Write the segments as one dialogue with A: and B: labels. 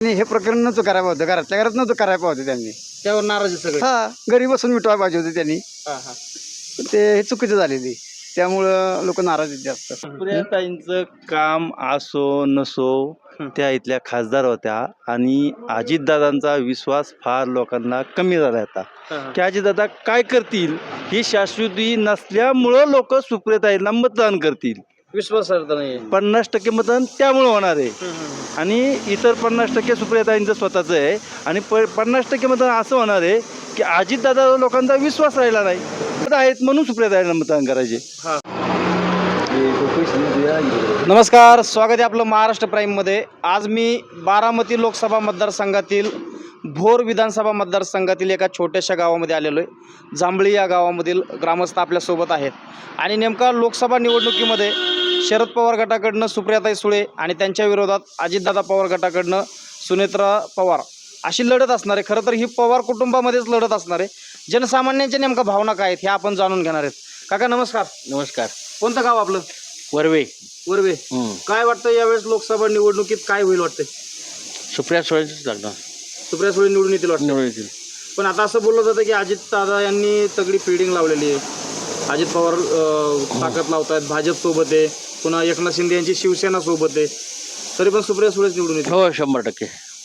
A: नाही, हे प्रकरण नव्हतं करायला होतं, घरातल्या घरात नव्हतं करायला होतं त्यांनी.
B: त्यावर नाराज आहे सगळे.
A: हा, घरी बसून मिटवायला पाहिजे होते त्यांनी.
B: हा, हा.
A: ते हे चुकीचं झालेली, त्यामुळं लोक नाराज आहेत जास्त.
C: सुप्रियाताईंचं काम असो नसो त्या इथल्या खासदार होत्या आणि अजितदादांचा विश्वास फार लोकांना कमी झाला होता की अजितदादा काय करतील ही शाश्वती नसल्यामुळं लोक सुप्रियाताईंना मतदान करतील.
B: विश्वासार्हता नाही.
C: 50% मतदान त्यामुळं होणार आहे आणि इतर 50% सुप्रियाताईंचं स्वतःचं आहे आणि 50% मतदान असं होणार आहे की अजितदादा लोकांचा विश्वास राहिला नाही आहेत म्हणून सुप्रियाताईंना मतदान करायचे.
B: नमस्कार, स्वागत आहे आपलं महाराष्ट्र प्राईममध्ये. आज मी बारामती लोकसभा मतदारसंघातील भोर विधानसभा मतदारसंघातील एका छोट्याशा गावामध्ये आलेलो आहे. जांभळी या गावामधील ग्रामस्थ आपल्यासोबत आहेत आणि नेमका लोकसभा निवडणुकीमध्ये शरद पवार गटाकडनं सुप्रियाताई सुळे आणि त्यांच्या विरोधात अजितदादा पवार गटाकडनं सुनेत्रा पवार अशी लढत असणार आहे. खरं तर ही पवार कुटुंबामध्येच लढत असणार आहे. जनसामान्यांच्या नेमका भावना काय आहेत हे आपण जाणून घेणार आहेत. काका नमस्कार.
D: नमस्कार.
B: कोणतं गाव आपलं?
D: वर्वे.
B: वर्वे. काय वाटतं यावेळेस लोकसभा निवडणुकीत काय होईल वाटतं?
D: सुप्रिया सुळेच लागणार.
B: सुप्रिया सुळे निवडून येतील वाटतं.
D: निवडून येतील.
B: पण आता असं बोललं जातं की अजित दादा यांनी तगडी फिल्डिंग लावलेली आहे. अजित पवार ताकद लावतायत, भाजप सोबत आहे, पुन्हा एकनाथ शिंदे यांची शिवसेना सोबत आहे, तरी पण सुप्रिया सुळेच निवडून येतील.
D: हो 100%.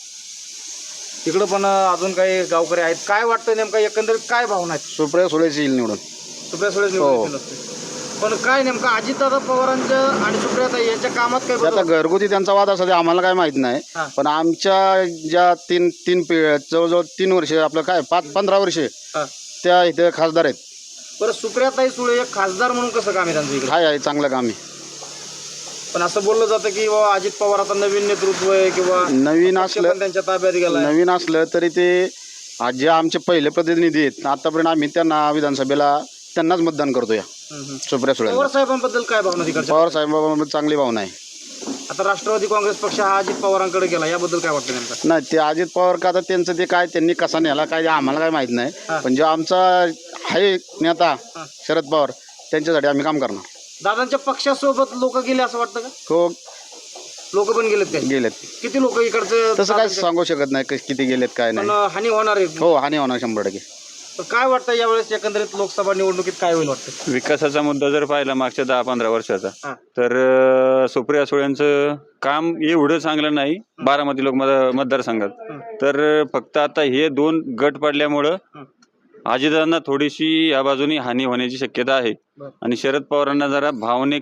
B: तिकडं पण अजून काही गावकरी आहेत. काय वाटतं नेमका एकंदरीत काय भावना आहेत?
A: सुप्रिया सुळेच येईल निवडून.
B: सुप्रिया सुळेच निवडून येतील असते. पण काय नेमका अजितदादा पवारांच्या आणि सुप्रियाताई यांच्या कामात काय
A: आता
B: बदल?
A: घरगुती त्यांचा वाद असा ते आम्हाला काय माहित नाही,
B: हा.
A: पण आमच्या ज्या जवळजवळ 3 वर्ष आपलं काय 15 वर्षे
B: हा.
A: त्या इथे खासदार आहेत.
B: बरं, सुप्रियाताई सुळे एक खासदार म्हणून कसं काम आहे त्यांचं इकडे?
A: आहे चांगलं काम आहे.
B: पण असं बोललं जातं की बाबा अजित पवार आता नवीन नेतृत्व आहे किंवा
A: नवीन
B: पक्ष
A: असलं
B: पण त्यांच्या ताब्यात गेला.
A: नवीन असलं तरी ते आज जे आमचे पहिले प्रतिनिधी आहेत आतापर्यंत आम्ही त्यांना विधानसभेला त्यांनाच मतदान करतो. या सुप्रिया सुळे
B: पवार साहेबांबद्दल काय भावना तिकडच्या?
A: पवार साहेबांबद्दल चांगली भावना आहे.
B: आता राष्ट्रवादी काँग्रेस पक्ष हा अजित पवारांकडे गेला, याबद्दल काय वाटतं नेमकं?
A: नाही, ते अजित पवार का आता त्यांचं ते काय त्यांनी कसा नेला काय ते आम्हाला काय माहित नाही, पण जो आमचा आहे नेता शरद पवार त्यांच्यासाठी आम्ही काम करणार.
B: दादांच्या पक्षासोबत लोक गेले असं वाटतं का?
A: हो,
B: लोक पण गेलेत काय?
A: गेलेत.
B: किती लोक इकडचे?
A: तसं काय सांगू शकत नाही किती गेलेत काय
B: पण
A: नाही.
B: हानी होणार आहे.
A: हो, हानी होणार 100%.
B: तर काय वाटतं यावेळेस एकंदरीत लोकसभा निवडणुकीत काय होईल वाटतं?
E: विकासाचा मुद्दा जर पाहिला मागच्या 10-15 वर्षाचा
B: हा.
E: तर सुप्रिया सुळेंचं काम एवढं चांगलं नाही बारामती मतदारसंघात. तर फक्त आता हे 2 गट पडल्यामुळं अजितदादांना थोडीशी या बाजूनी हानी होण्याची शक्यता आहे आणि शरद पवारांना जरा भावनिक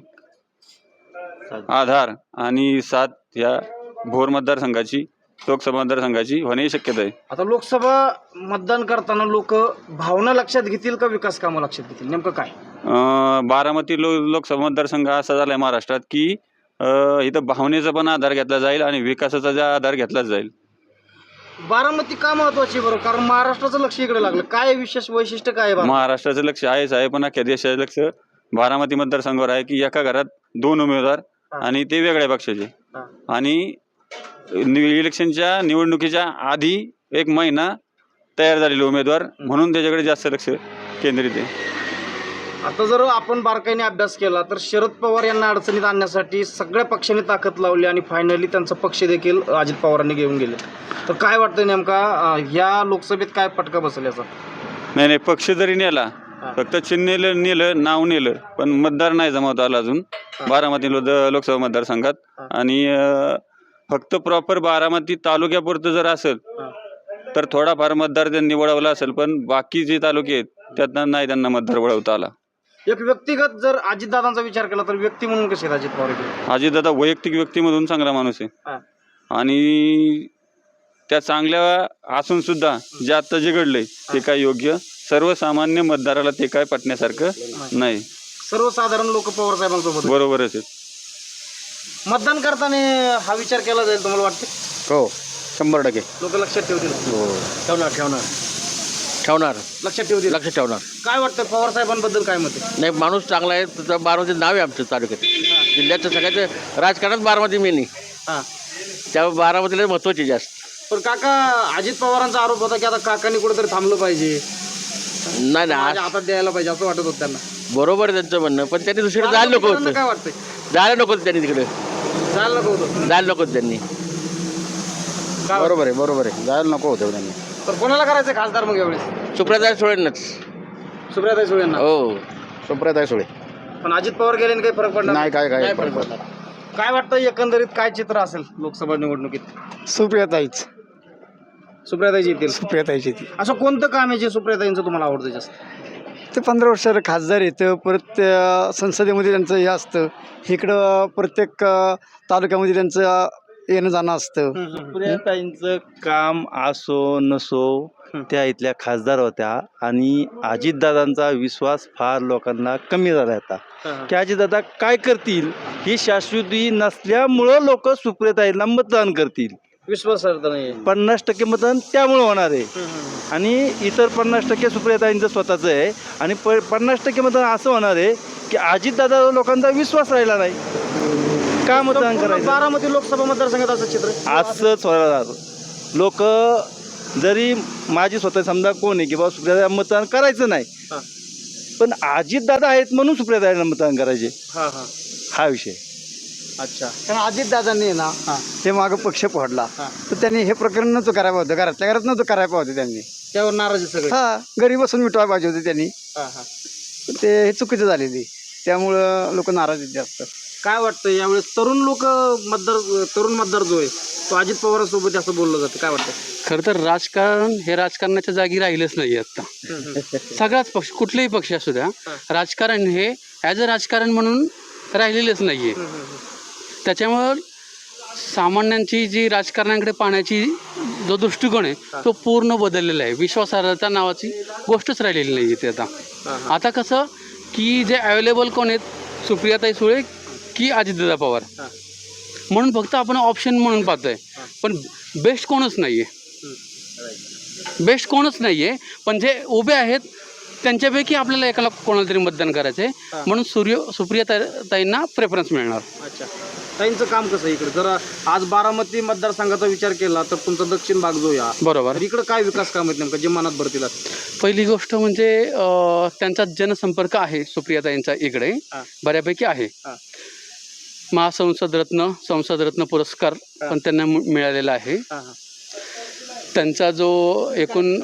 E: आधार आणि साथ या भोर मतदारसंघाची लोकसभा मतदारसंघाची होण्याची शक्यता आहे.
B: आता लोकसभा मतदान करताना लोक भावना लक्षात घेतील का विकास कामं लक्षात घेतील, नेमकं काय?
E: बारामती लोकसभा मतदारसंघ असा झालाय महाराष्ट्रात की इथं भावनेचा पण आधार घेतला जाईल आणि विकासाचा जा आधार घेतलाच जाईल.
B: बारामती का महत्वाची बरं? कारण महाराष्ट्राचं लक्ष इकडे लागलं. काय विशेष वैशिष्ट्य काय आहे?
E: महाराष्ट्राचं लक्ष आहेच आहे, पण अख्ख्या देशाचं लक्ष बारामती मतदारसंघावर आहे की एका घरात 2 उमेदवार आणि ते वेगळ्या पक्षाचे आणि इलेक्शनच्या निवडणुकीच्या आधी 1 महिना तयार झालेले उमेदवार म्हणून त्याच्याकडे जास्त लक्ष केंद्रित आहे.
B: आता जर आपण बारकाईने अभ्यास केला तर शरद पवार यांना अडचणीत आणण्यासाठी सगळ्या पक्षांनी ताकद लावली आणि फायनली त्यांचा पक्ष देखील अजित पवारांनी घेऊन गेले. तर काय वाटतं नेमका ह्या लोकसभेत काय फटका बसेल याचा?
E: नाही, पक्ष जरी नेला, फक्त चिन्ह नेलं नाव नेलं, पण मतदार नाही जमवता आला अजून बारामती लोकसभा मतदारसंघात. आणि फक्त प्रॉपर बारामती तालुक्यापुरतं जर असेल तर थोडाफार मतदार त्यांनी वळवला असेल, पण बाकी जे तालुके आहेत त्यातनं नाही त्यांना मतदार वळवता आला.
B: एक व्यक्तिगत जर अजितदादांचा विचार केला तर व्यक्ती म्हणून कसे आहेत अजित पवार?
E: अजितदादा वैयक्तिक व्यक्तीमधून चांगला माणूस आहे आणि त्या चांगल्या असून सुद्धा जे आता जे घडलंय ते काय योग्य सर्वसामान्य मतदाराला ते काय पटण्यासारखं नाही.
B: सर्वसाधारण लोक पवार साहेबांसोबत
E: बरोबरच आहे.
B: मतदान करताना हा विचार केला जाईल तुम्हाला वाटतं?
A: हो, 100%.
B: लोक लक्षात ठेवतील.
D: ठेवणार.
B: लक्षात ठेवतील.
D: लक्ष ठेवणार.
B: काय वाटतं पवार साहेबांबद्दल काय मत आहे?
D: नाही, माणूस चांगला आहे. त्याचं बारामती नाव आहे आमचं तालुक्यात. जिल्ह्याचं सगळ्याचं राजकारणात बारामती मेन आहे.
B: हां,
D: त्यामुळे बारामतीला महत्त्वाची जास्त.
B: पण काका अजित पवारांचा आरोप होता की आता काकांनी कुठेतरी थांबलं पाहिजे,
D: नाही ना,
B: माझ्या हातात द्यायला पाहिजे असं वाटत होतं त्यांना.
D: बरोबर आहे त्यांचं म्हणणं, पण त्यांनी दुसरीकडे जायला नको होतं.
B: काय वाटतंय?
D: जायला नको होतं त्यांनी तिकडे.
B: जायला नको होतं.
D: जायला नको होतं त्यांनी.
A: बरोबर आहे जायला नको होतं त्यांनी.
B: तर कोणाला करायचं खासदार मग यावेळेस?
D: सुप्रताई सुळेंनाच.
B: सुप्रियाताई सुळेंना.
D: हो.
A: सुप्रियाताई सुळे.
B: पण अजित पवार गेले काही फरक पडणार
A: नाही काय
D: नाही फरक पडणार.
B: काय वाटतं एकंदरीत काय चित्र असेल लोकसभा निवडणुकीत?
F: सुप्रियाताईच
B: सुप्रियाताईची येतील.
F: सुप्रियाताईची ती
B: असं कोणतं काम आहे जे सुप्रियाताईंचं तुम्हाला आवडतं जास्त?
F: ते 15 वर्षाला खासदार येतं, परत संसदेमध्ये त्यांचं हे असतं, इकडं प्रत्येक तालुक्यामध्ये त्यांचं येणं जाणं असतं.
C: सुप्रियाताईंचं काम असो नसो त्या इथल्या खासदार होत्या आणि अजितदादांचा विश्वास फार लोकांना कमी झाला आता की अजितदादा काय करतील ही शाश्वती नसल्यामुळं लोक सुप्रियाताईंना मतदान करतील.
B: विश्वासार्हता नाही.
C: 50% मतदान त्यामुळं होणार आहे आणि इतर 50% सुप्रियाताईंचं स्वतःचं आहे आणि 50% मतदान असं होणार आहे की अजितदादा लोकांचा विश्वास राहिला नाही. का मतदान करायचं?
B: बारामती लोकसभा मतदारसंघात असं चित्र आहे.
C: असंच होणार. लोक जरी माझी स्वतः समजा कोण आहे की बाबा सुप्रियाताई मतदान करायचं नाही, पण अजितदादा आहेत म्हणून सुप्रियाताईंना मतदान करायचे, हा विषय.
B: अच्छा.
F: कारण अजितदादांनी ना ते मागं पक्ष फोडला, तर त्यांनी हे प्रकरण नव्हतं करायला होतं, घरातल्या घरात नव्हतं करायला पाहिजे त्यांनी.
B: त्यावर नाराजी सगळे.
F: घरी बसून मिटवायला पाहिजे होते त्यांनी. ते हे चुकीचं झालेली, त्यामुळं लोक नाराज आहेत जास्त.
B: काय वाटतं यावेळेस तरुण मतदार जो आहे तो अजित पवारांसोबत असं बोललं जातं, काय वाटतं?
G: खरं तर राजकारण हे राजकारणाच्या जागी राहिलंच नाही आता. सगळाच पक्ष, कुठलेही पक्ष असू द्या, राजकारण हे ॲज अ राजकारण म्हणून राहिलेलंच नाही आहे. त्याच्यामुळं सामान्यांची जी राजकारणाकडे पाहण्याची जो दृष्टिकोन आहे तो पूर्ण बदललेला आहे. विश्वासार्हता नावाची गोष्टच राहिलेली नाही आहे ते आता कसं की जे अवेलेबल कोण आहेत, सुप्रियाताई सुळे की अजितदादा पवार, म्हणून फक्त आपण ऑप्शन म्हणून पाहतोय, पण बेस्ट कोणच नाही आहे. पण जे उभे आहेत त्यांच्यापैकी आपल्याला एकाला कोणाला तरी मतदान करायचं आहे, म्हणून सुप्रियाताईंना प्रेफरन्स मिळणार.
B: अच्छा. ताईंचं काम कसं आहे इकडे? जर आज बारामती मतदारसंघाचा विचार केला तर तुमचा दक्षिण भाग जो या
G: बरोबर.
B: इकडे काय विकास काम आहेत नेमकं जे मनात भरतील?
G: पहिली गोष्ट म्हणजे त्यांचा जनसंपर्क आहे सुप्रियाताईंचा इकडे बऱ्यापैकी आहे. संसद रत्न पुरस्कार पण त्यांना मिळालेला आहे. त्यांचा जो एकूण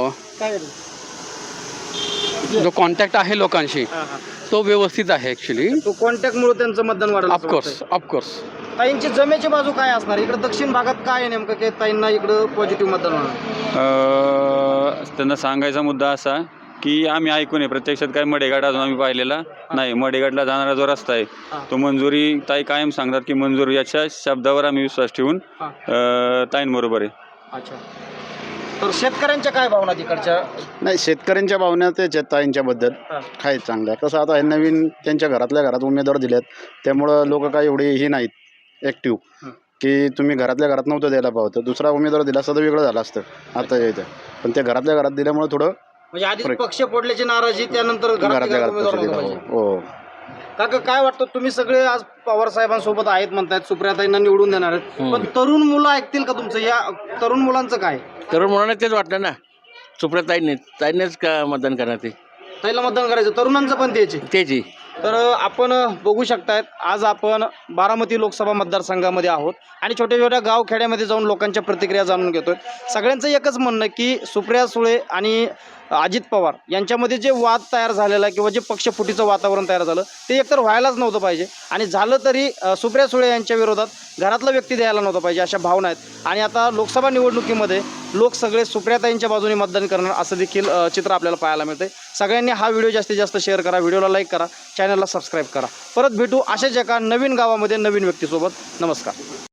G: जो कॉन्टॅक्ट आहे लोकांशी तो व्यवस्थित आहे ॲक्च्युली.
B: तो कॉन्टॅक्टमुळे त्यांचं मतदान वाढलं.
G: ऑफकोर्स.
B: ताईंची जमेची बाजू काय असणार इकडे दक्षिण भागात? काय आहे नेमकं की ताईंना इकडं पॉझिटिव्ह मतदान होणार?
E: त्यांना सांगायचा मुद्दा असा की आम्ही ऐकून आहे, प्रत्यक्षात काय मडेघाट अजून आम्ही पाहिलेला नाही. मडेघाटला जाणारा जो रस्ता आहे तो मंजुरी ताई कायम सांगतात की मंजूर, याच्या शब्दावर आम्ही विश्वास ठेवून ताईंबरोबर आहे.
B: अच्छा. तर शेतकऱ्यांच्या काय भावना तिकडच्या?
A: नाही, शेतकऱ्यांच्या भावना तेच आहेत ताईंच्याबद्दल, काय चांगल्या. कसं आता हे नवीन त्यांच्या घरातल्या घरात उमेदवार दिलेत, त्यामुळं लोक काय एवढी ही नाहीत ॲक्टिव्ह की तुम्ही घरातल्या घरात नव्हतं द्यायला पाहतं. दुसरा उमेदवार दिला असता तर वेगळं झालं असतं आता इथं, पण ते घरातल्या घरात दिल्यामुळे थोडं
B: म्हणजे आधी पक्ष फोडल्याची नाराजी, त्यानंतर
A: घरातल्या घरात
B: उमेदवार
A: दिलं.
B: पाहिजे.
A: हो.
B: काका काय वाटतं, तुम्ही सगळे आज पवार साहेबांसोबत आहेत म्हणतायत, सुप्रियाताईंना निवडून देणार आहेत, पण तरुण मुलं ऐकतील का तुमचं? या तरुण मुलांचं काय?
D: तरुण मुलांना तेच वाटतं ना, सुप्रियाताईंनीच का मतदान करणार ते,
B: ताईला मतदान करायचं, तरुणांचं पण
D: त्याची.
B: तर आपण बघू शकतायत आज आपण बारामती लोकसभा मतदारसंघामध्ये आहोत आणि छोट्या छोट्या गावखेड्यामध्ये जाऊन लोकांच्या प्रतिक्रिया जाणून घेतोय. सगळ्यांचं एकच म्हणणं की सुप्रिया सुळे आणि अजित पवार यांच्यामध्ये जे वाद तयार झालेला किंवा जे पक्षफुटीचं वातावरण तयार झालं ते एकतर व्हायलाच नव्हतं पाहिजे, आणि झालं तरी सुप्रिया सुळे यांच्या विरोधात घरातला व्यक्ती द्यायला नव्हता पाहिजे, अशा भावना आहेत. आणि आता लोकसभा निवडणुकीमध्ये लोक सगळे सुप्रियाताईंच्या बाजूने मतदान करणार असं देखील चित्र आपल्याला पाहायला मिळतं. सगळ्यांनी हा व्हिडिओ जास्तीत जास्त शेअर करा, व्हिडिओला लाईक करा, चॅनलला सबस्क्राईब करा. परत भेटू अशाच एका नवीन गावामध्ये नवीन व्यक्तीसोबत. नमस्कार.